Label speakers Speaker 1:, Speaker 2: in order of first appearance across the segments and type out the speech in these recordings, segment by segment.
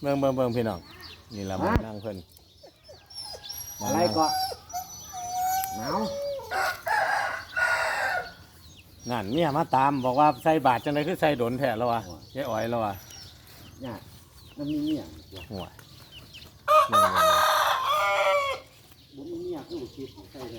Speaker 1: เบิ่งพี่น้องนี่ละมานั่งเพิ่น
Speaker 2: อะไรก็หนาว
Speaker 1: นั่นเมียมาตามบอกว่าใส่บาทจังไดคือใส่ดนแท้แล้ววะยายอ้อยแล้ววะ
Speaker 2: เนี่ยมันมีเมีย
Speaker 1: หัว
Speaker 2: บ่มีเมียคือบ่คิดใช่ไหม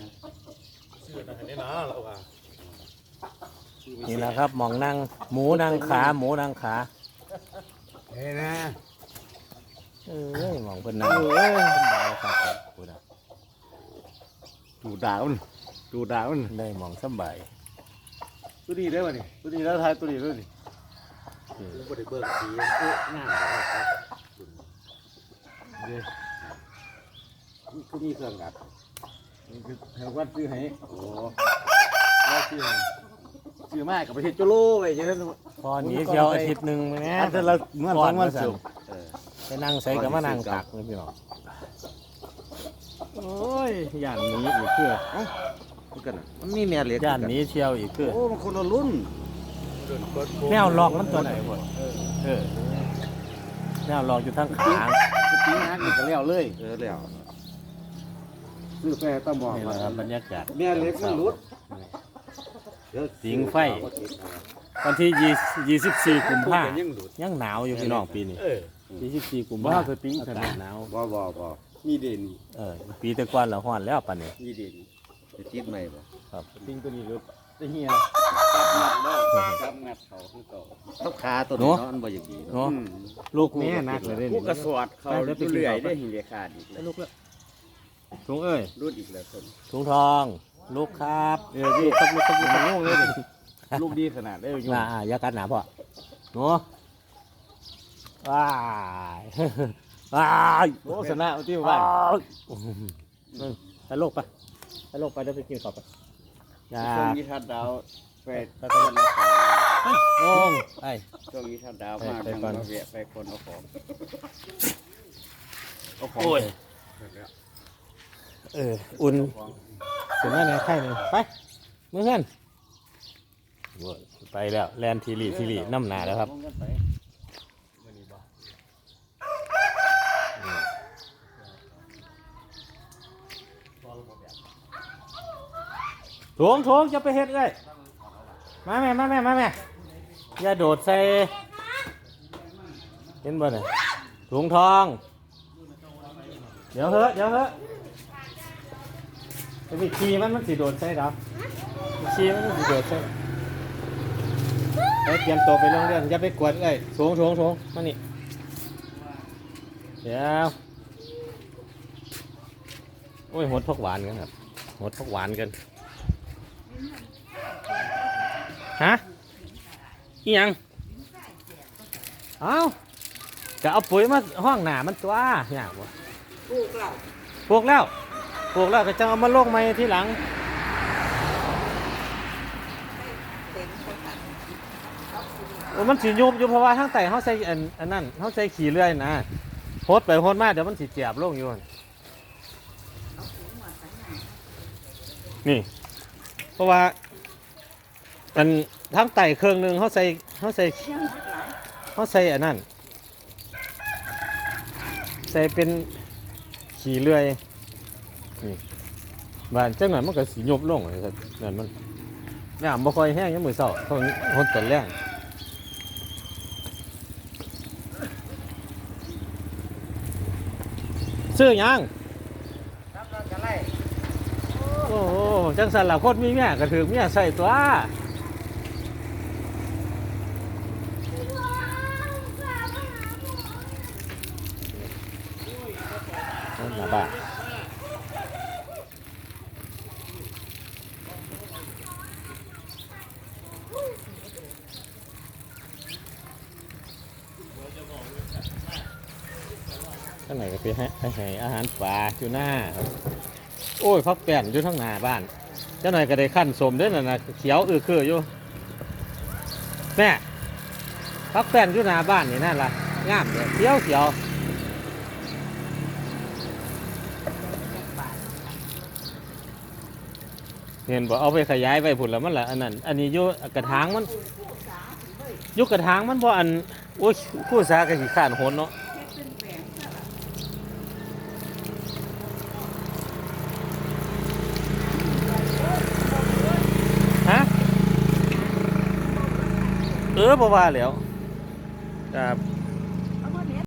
Speaker 1: นี่แหละครับหมองนั่งหมูนั่งขาหมูนั่งขา
Speaker 2: เฮ้ยนะ
Speaker 1: เอ้ยหมองเพิ่นนั่งสบายครับพูดนะ
Speaker 2: ดูดาวมันดูดาวมัน
Speaker 1: ได้หมองสบาย
Speaker 2: ตัวนี้ได้ป่ะนี่ตัวนี้แล้วทายตัวนี้ด้วยนี่บ่ได้เบิ่งสีงามครับเด้นี่คือมีเครื่องดับนี่คือแถววัดซื้อให้โอ้แล้วซื้อมากับประเทศโจโลไปจังซั่น
Speaker 1: พอหนี้เที่ยวอาทิตย์หนึงแหม่
Speaker 2: อันนั้นละเมื่อสองวันศุกร์
Speaker 1: ไปนั่งใส่กับมานั่งตักนี่พี่น้องโอ้ยย่านหนี้อีกคือ
Speaker 2: กันมันมีแม่เหล็ก
Speaker 1: ย่านหนี้เที่ยวอีกคือ
Speaker 2: โอ้มันคนละรุ่น
Speaker 1: แนวลอกมันตัวไหนบ่เออแนวลอกอยู่ทางขา
Speaker 2: สปริงฮักนี่ก็แล้วเลยแล้วซื้อแฟต้องบอก
Speaker 1: นี่แห
Speaker 2: ว่า
Speaker 1: ละครับบรรยากาศ
Speaker 2: แม่เหล็กมันรุด
Speaker 1: สิงไฟ วันที่24กุมภาพันธ์
Speaker 2: ยังหลุด
Speaker 1: ยังหนาวอยู่พี่น้องปีนี้24กุมภาพันธ์อากาศหนาว
Speaker 2: บ่มีเด่น
Speaker 1: ปีแต่ก่อนละฮ้อนแล้วปานนี้
Speaker 2: มีเด่นจะติดใหม่บ่
Speaker 1: ครับ
Speaker 2: ปิ้งตัวนี้รุดจะเหี่ยจับงัดเขาคือเก่าทับขาตัวนี้เนาะมันบ่อย่างดี
Speaker 1: เนาะลูกแม่นักเลยเด้
Speaker 2: ผู้
Speaker 1: นี่
Speaker 2: กระสวดเขาเรื่อยได้หินเดียขาดอีกแล้ว
Speaker 1: ลูกละถุงเอ้ย
Speaker 2: รุดอีกแล้วคน
Speaker 1: ถุงทอง ลูกครับ
Speaker 2: พี่ต้องงงเลยลูกดีขนาดได้อยู่
Speaker 1: มาอย่ากัดหนาพ่อหนูว้ายว้าย
Speaker 2: โอ้ชนะที่บ้าน
Speaker 1: ไปโลกไปเดี๋ยวไปกินข้าวไปอย่า
Speaker 2: ช่วงนี้ทัดดาวไปคนละของ
Speaker 1: งงไป
Speaker 2: ช่วงนี้ทัดดาวมากทางมาเวียไปคนเอาของ
Speaker 1: โอ้ยอุ่นถึงแม่ไหนไข่หนึ่งไปมือเพื่อนไปแล้วแลนทีรีน้ำหนาแล้วครับถุงจะไปเฮ็ดเลยมาแม่อย่าโดดใส่เห็นบ่เนี่ยถุงทองเดี๋ยวเถอะจะไปขี่มันสิโดดใส่หรอขี่มันสิโดดใส่ไปเตรียมตัวไปโรงเรียนอย่าไปกวดเลยถุงมานี่เดี๋ยวโอ้ยหดผักหวานกันครับหดผักหวานกันฮะอีหยังเอ้าจะเอาปุ๋ยมาห้องหนามันตัวเนี่ยบ่ปลูกแล้วก็จะเอามาโลกใหม่ที่หลังโอ้มันสียุบอยู่เพราะว่าทั้งไต่เขาใส่อันนั้นเขาใส่ขี่เลื่อยนะโหดไปโหดมาเดี๋ยวมันสีเจียบลงอยู่นี่เพราะว่าอันทั้งไต่เครื่องหนึ่งเขาใส่อันนั้นใส่เป็นขี่เลื่อยนี่บ้านจังหน่อยมันก็สียุบลงเลยครับนั่นมันน้ำบ่ค่อยแห้งยังมือเศร้าเท่านี้หดแต่แรงซื้อยังโอ้โหจังสันละคนมีเมียก็ถือเมียใส่ตัวนั่นละบ้าข้างไหนก็ไปให้อาหารปลาอยู่หน้าโอ้ยพักแป้นอยู่ทั้งหน้าบ้านเจ้าหน่อยก็ได้ขั้นสมด้วยนะเขียวคืออยู่แม่พักแป้นอยู่หน้าบ้านนี่นั่นล่ะงามเลยเขียวเห็นบอกเอาไปขยายไปผุดแล้วมันละอันนั้นอันนี้อยู่กระถางมันยุกกระถางมันบ่อันโอ้ยคู่สากระสีขานโหนเนาะบ่ว่าแล้วครับ